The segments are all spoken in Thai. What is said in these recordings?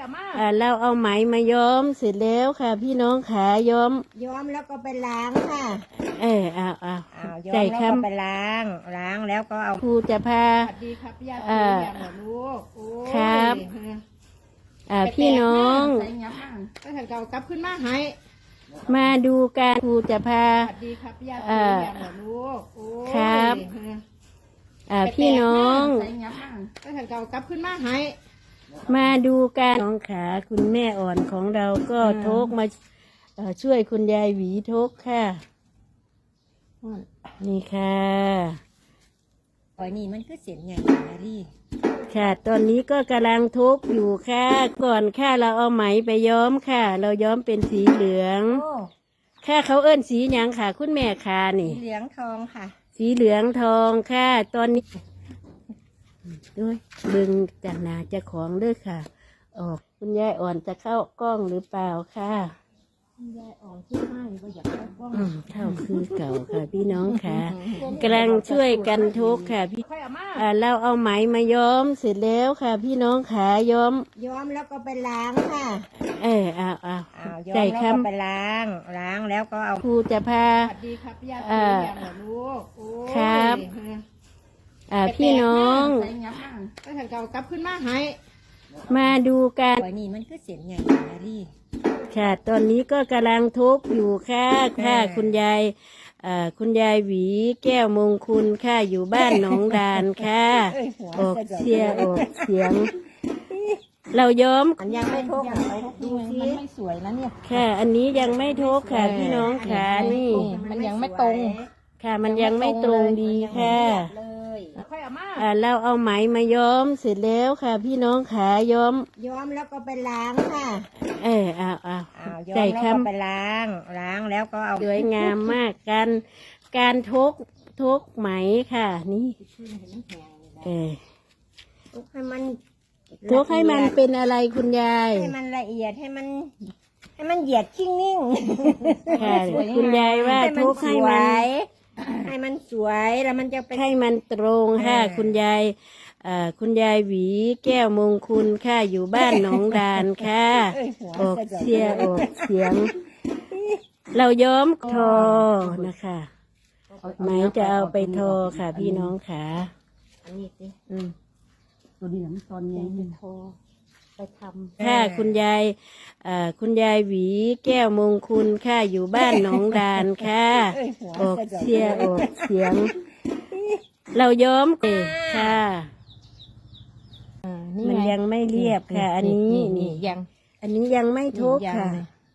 เราเอาไหมมาย้อมเสร็จแล้วค่ะ พี่น้องขาย้อมแล้วก็ไปล้างค่ะเอาย้อมแล้วก็ไปล้างแล้วก็เอาครูจะพาสวัสดีครับญาติอย่างเหรอลูกครับพี่น้องก็ถึงเก่ากลับขึ้นมาให้มาดูการครูจะพาสวัสดีครับญาติอย่างเหรอลูกครับพี่น้องก็ถึงเก่ากลับขึ้นมาให้มาดูการน้องขาคุณแม่อ่อนของเราก็ทกมาช่วยคุณยายหวีทกค่ะนี่ค่ะนี่มันคือเสียงใหญ่นะดิค่ะตอนนี้ก็กำลังทุกอยู่ค่ะก่อนค่ะเราเอาไหมไปย้อมค่ะเราย้อมเป็นสีเหลืองค่ะเขาเอิ้นสีหยังค่ะคุณแม่ค่ะนี่สีเหลืองทองค่ะสีเหลืองทองค่ะตอนนี้ด้วยบึงจากนาจะของด้วยค่ะออกคุณยายอ่อนจะเข้ากล้องหรือเปล่าค่ะคุณยายอ่อนที่ไม่ก็อยากเข้ากล้องเข้าคือเก่าค่ะพี่น้องค่ะกำลังช่วยกันทุกค่ะพี่เราเอาไหมมาย้อมเสร็จแล้วค่ะ พี่น้องขาย้อมแล้วก็ไปล้างค่ะย้อมแล้วก็ไปล้างแล้วก็เอาครูจะพาสวัสดีครับญาติอย่างเหรอลูกครับพี่น้องก็ถึงเก่ากลับขึ้นมาให้มาดูกันนี่มันคือเสียงใหญ่นะดิค่ะตอนนี้ก็กำลังทุกอยู่ค่ะคุณยายหวีแก้วมงคุณค่ะอยู่บ้านหนองดานค่ะออกเสียงเราย้อมมันยังไม่ทุกดูสิมันไม่สวยนะเนี่ยค่ะอันนี้ยังไม่ทุกค่ะพี่น้องค่ะนี่มันยังไม่ตรงค่ะมันยังไม่ตรงดีค่ะเราเอาไหมมาย้อมเสร็จแล้วค่ะ พี่น้องขาย้อมแล้วก็ไปล้างค่ะย้อมแล้วก็ไปล้างแล้วก็เอาสวยงามมากการทุกไหมค่ะนี่ทุกให้มันเป็นอะไรคุณยายให้มันละเอียดให้มันเหยียดชิ่งนิ่งค่ะคุณยายว่าทุกให้มันสวยแล้วมันจะเป็นให้มันตรงค่ะคุณยายหวีแก้วมงคุณค่ะอยู่บ้านหนองดานค่ะออกเสียงเราย้อมทอนะคะไหมจะเอาไปทอค่ะพี่น้องค่ะอันนี้สิตัวนี้ตอนนี้ทอไปทำค่ะคุณยายหวีแก้วมงคุณค่ะอยู่บ้านหนองดานค่ะออกเสียงเราย้อมค่ะมันยังไม่เรียบค่ะอันนี้ยังไม่ทุกค่ะ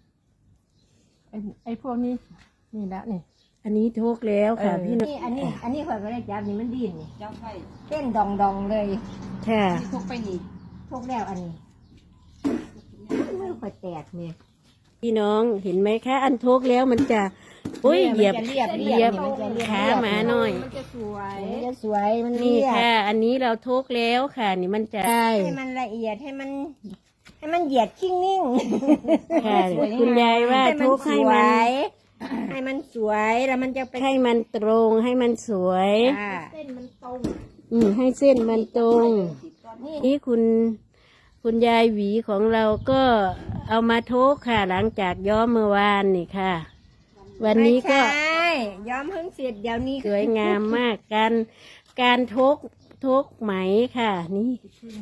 ไอ้พวกนี้นี่แล้วนี่อันนี้ทุกแล้วค่ะพี่น้องอันนี้ข่อยก็ได้จับนี่มันดิ้นนี่เต้นดองเลยค่ะทุกไปนี่ทุกแล้วอันนี้มือข่อยแตกเนี่ยพี่น้องเห็นไหมคะอันทุกแล้วมันจะเหยียบขาหมาหน่อยมันจะสวยมันนี่ค่ะอันนี้เราทุกแล้วค่ะนี่มันจะให้มันละเอียดให้มันเหยียดชิ่งนิ่งค่ะคุณยายว่าทุกให้มันสวยแล้วมันจะให้มันตรงให้มันสวยเส้นมันตรงให้เส้นมันตรงนี่คุณยายหวีของเราก็เอามาทุกค่ะหลังจากย้อมเมื่อวานนี่ค่ะวันนี้ก็ย้อมเพิ่งเสร็จเดี๋ยวนี้สวยงามมากการทุกไหมค่ะนี่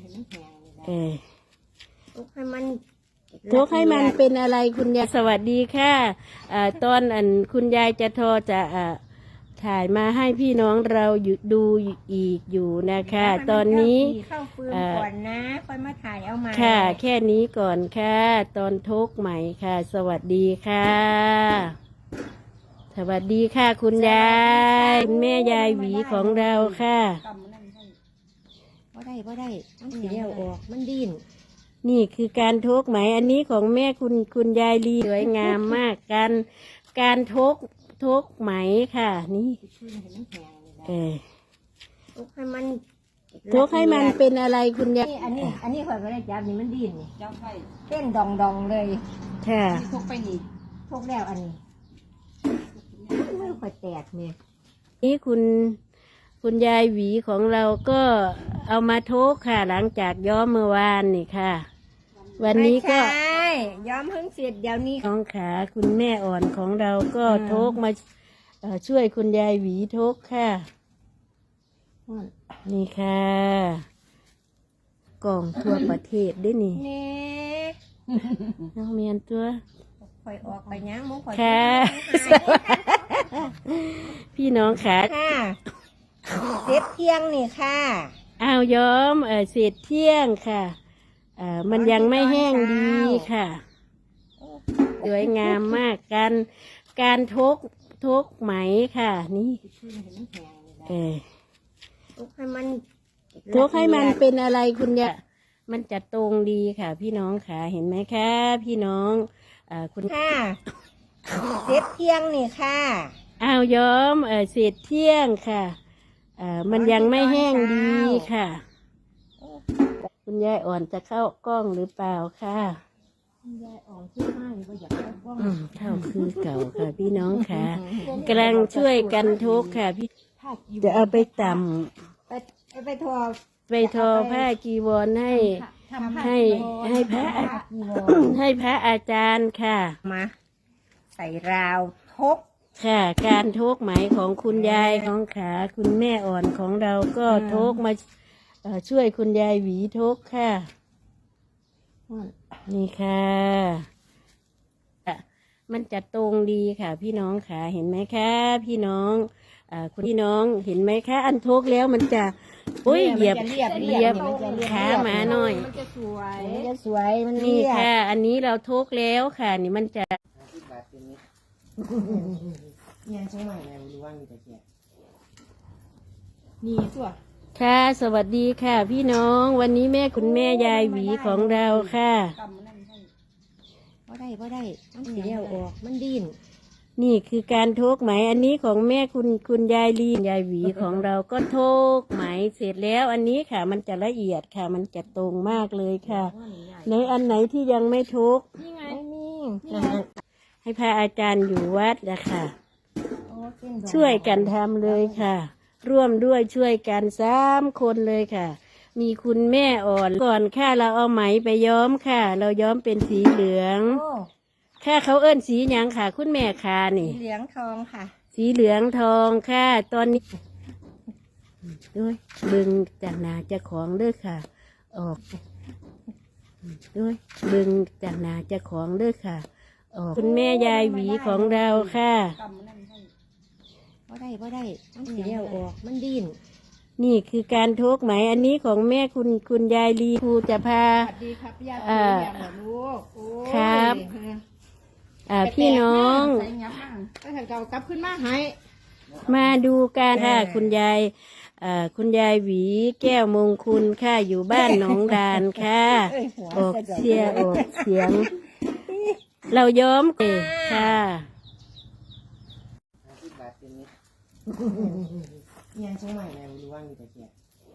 ทุกให้มันเป็นอะไรคุณยายสวัสดีค่ะตอนคุณยายจะจะถ่ายมาให้พี่น้องเราดูอีกอยู่นะคะตอนนี้เข้าฟืนก่อนนะค่อยมาถ่ายเอามาค่ะแค่นี้ก่อนค่ะตอนทุกใหม่ค่ะสวัสดีค่ะสวัสดีค่ะคุณยายคุณแม่ยายหวีของเราค่ะบ่ได้มันเสียวออกมันดิ้นนี่คือการทุกไหมอันนี้ของแม่คุณยายลีสวยงามมากการทุกไหมค่ะนี่ทุกให้มันเป็นอะไรคุณยายอันนี้ข่อยก็ได้จับนี่มันดิ้นนี่เต้นดองเลยค่ะทุกไปนี่ทุกแล้วอันนี้มือข่อยแตกเนี่ยนี่คุณยายหวีของเราก็เอามาทุกค่ะหลังจากย้อมเมื่อวานนี่ค่ะววันนี้ก็ไม่ใช่ย้อมเพิ่งเสร็จเดี๋ยวนี้น้องขาคุณแม่อ่อนของเราก็โทกมาช่วยคุณยายหวีโทกค่ะ นี่ค่ะกล่องทั่วประเทศด้วยนี่นี่น้องเมียนตัวคอยออกไปยังมุ้งคอยค่ะ พี่น้องขาค่ะเสร็จเที่ยงนี่ค่ะอ้าวย้อมเศษเที่ยงค่ะมันยังไม่แห้งดีค่ะสวยงามมากการทกไหมค่ะนี่ทุกให้มันทกให้มันเป็นอะไรคุณยะมันจะตรงดีค่ะ พี่น้องค่ะเห็นไหมคะพี่น้องคุณค่ะเสร็จเที่ยงนี่ค่ะอ้าวย้อมเศษเที่ยงค่ะมันยังไม่แห้งดีค่ะ คุณยายอ่อนจะเข้ากล้องหรือเปล่าค่ะยายอ่อนชื่อมากก็อยากเข้ากล้องเข้าคือเก่าค่ะ พี่น้องค่ะกำลังช่วยกันทุกค่ะพี่จะเอาไปต่ำไปทอไปทอผ้ากีวรให้พระให้พระอาจารย์ค่ะมาใส่ราวทกค่ะ การทุกไหมของคุณยายของขาคุณแม่อ่อนของเราก็ทุกมาช่วยคุณยายหวีทุกค่ะนี่ค่ะมันจะตรงดีค่ะ พี่น้องค่ะเห็นไหมคะพี่น้องคุณพี่น้องเห็นไหมคะอันทุกแล้วมันจะอุ้ยเหยียบขาหมาหน่อยมันจะสวยมันจะสวยมันนี่เรียบค่ะ อันนี้เราทุกแล้วค่ะ นี่มันจะยังใช่ไหมรู้ว่ามีแต่แก่นี่ตัวค่ะ สวัสดีค่ะ พี่น้องวันนี้แม่คุณแม่ยายหวีของเราค่ะบ่ได้มันสีเดียวออกมันดิ้นนี่คือการโทกไหมอันนี้ของแม่คุณยายลียายหวีของเราก็โทกไหมเสร็จแล้ว อันนี้ค่ะ มันจะละเอียดค่ะ มันจะตรงมากเลยค่ะ ในอันไหนที่ยังไม่โทกนี่ไงไม่มีให้พระอาจารย์อยู่วัดนะคะโอ้เส้นดอกช่วยกันทำเลยค่ะ ร่วมด้วยช่วยกัน3 คนเลยค่ะ มีคุณแม่อ่อนก่อนค่ะเราเอาไหมไปย้อมค่ะ เราย้อมเป็นสีเหลืองโอ้ค่ะเขาเอิ้นสีหยังค่ะ คุณแม่ค่ะนี่สีเหลืองทองค่ะสีเหลืองทองค่ะ ตอนนี้ด้วยดึงจากหนาเจะของเด้อค่ะ ออกด้วยดึงจากหนาเจะของเด้อค่ะ ออกคุณแม่ยายหวีของเราค่ะบ่ได้มันสีเดียวออกมันดิ้นนี่คือการโทกไหมอันนี้ของแม่คุณยายลีครูจะพาสวัสดีครับญาติพี่น้องเหรอลูกโอ้ยครับ พี่น้องใส่ยับมั่งก็ถังเก่ากลับขึ้นมาให้มาดูกันค่ะคุณยายหวีแก้วมงคุณค่ะอยู่บ้านหนองดานค่ะออกเสียง เราย้อมค่ะยังใช่ไหมรู้ว่ามีแต่แก่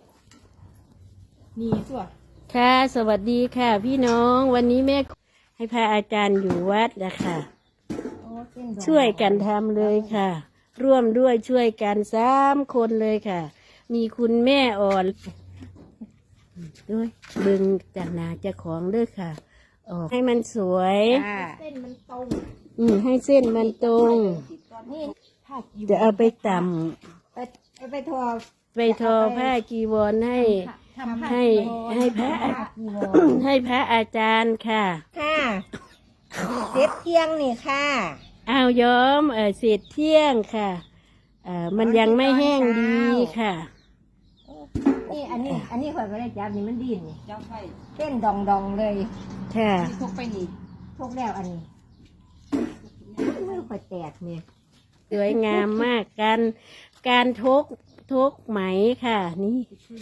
นี่ตัวค่ะ สวัสดีค่ะ พี่น้องวันนี้แม่ให้พระอาจารย์อยู่วัดนะคะโอ้เส้นดอกช่วยกันทำเลยค่ะ ร่วมด้วยช่วยกัน3 คนเลยค่ะ มีคุณแม่อ่อนด้วยดึงจากหนาเจะของเด้อค่ะ ออกให้มันสวยเส้นมันตรงให้เส้นมันตรงนี่ผ้ากีวรจะเอาไปต่ไปทอำไปทอผ้ากีวรให้ทำผ้าให้กีวรให้พระอาจารย์ค่ะค่ะเสร็จเที่ยงนี่ค่ะอ้าวย้อมเศษเที่ยงค่ะมันยังไม่แห้งดีค่ะนี่อันนี้ข่อยไม่ได้จับนี่มันดิ้นนี่จับไปเต้นดองเลยค่ะทุกไปนี่ทุกแล้วอันนี้มือข่อยแตกเนี่ยสวยงามมากการทกไหมค่ะ นี่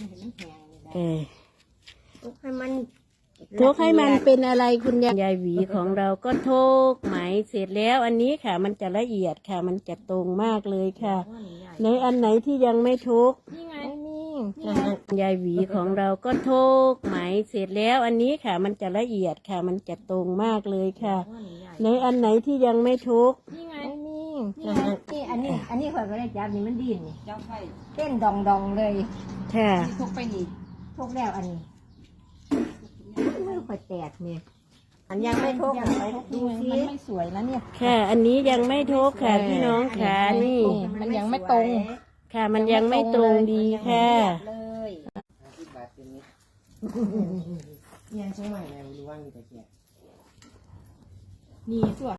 ทุกให้มันทกให้มันเป็นอะไรคุณยายหวีของเราก็ทกไหมเสร็จแล้ว อันนี้ค่ะ มันจะละเอียดค่ะ มันจะตรงมากเลยค่ะ ในอันไหนที่ยังไม่ทกนี่ไงไม่มียายหวีของเราก็ทกไหมเสร็จแล้ว อันนี้ค่ะ มันจะละเอียดค่ะ มันจะตรงมากเลยค่ะ ในอันไหนที่ยังไม่ทกนี่ไงไม่มีนี่อันนี้ข่อยไม่ได้จับนี่มันดิ้นนี่จับไปเต้นดองเลยค่ะทุกไปนี่ทุกแล้วอันนี้มือคือข่อยแตกเนี่ยอันยังไม่ทกอ่ะดูสิมันไม่สวยนะเนี่ยค่ะ อันนี้ยังไม่ทกค่ะพี่น้องค่ะนี่มันยังไม่ตรงค่ะมันยังไม่ตรงดีค่ะเลย 50 บาทเป็นนี้ยังใช่ไหมแม่รู้ว่ามีแต่เกียร์นี่ส่วน